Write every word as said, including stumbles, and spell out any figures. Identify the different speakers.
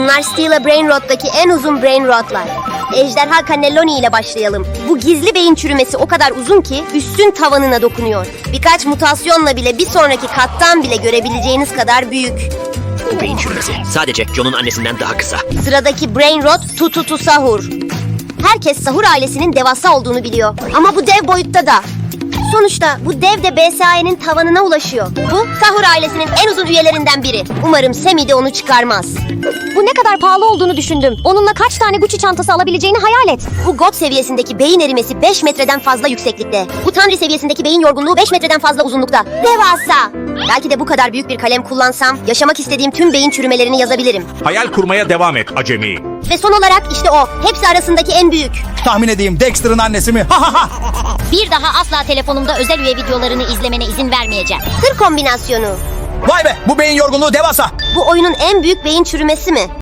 Speaker 1: Bunlar Stila Brain Rot'taki en uzun Brain Rot'lar. Ejderha Cannelloni ile başlayalım. Bu gizli beyin çürümesi o kadar uzun ki üstün tavanına dokunuyor. Birkaç mutasyonla bile bir sonraki kattan bile görebileceğiniz kadar büyük.
Speaker 2: Bu beyin çürümesi sadece John'un annesinden daha kısa.
Speaker 1: Sıradaki Brain Rot Tututu Sahur. Herkes Sahur ailesinin devasa olduğunu biliyor. Ama bu dev boyutta da. Sonuçta bu dev de B S A E'nin tavanına ulaşıyor. Bu Sahur ailesinin en uzun üyelerinden biri. Umarım Semi de onu çıkarmaz.
Speaker 3: Bu ne kadar pahalı olduğunu düşündüm. Onunla kaç tane Gucci çantası alabileceğini hayal et.
Speaker 1: Bu God seviyesindeki beyin erimesi beş metreden fazla yükseklikte. Bu Tanrı seviyesindeki beyin yorgunluğu beş metreden fazla uzunlukta. Devasa! Belki de bu kadar büyük bir kalem kullansam yaşamak istediğim tüm beyin çürümelerini yazabilirim.
Speaker 4: Hayal kurmaya devam et acemi.
Speaker 1: Ve son olarak işte o. Hepsi arasındaki en büyük.
Speaker 5: Tahmin edeyim, Dexter'ın annesi mi? Ha ha ha!
Speaker 6: Bir daha asla telefonumda özel üye videolarını izlemene izin vermeyeceğim.
Speaker 1: Sır kombinasyonu.
Speaker 5: Vay be, bu beyin yorgunluğu devasa.
Speaker 1: Bu oyunun en büyük beyin çürümesi mi?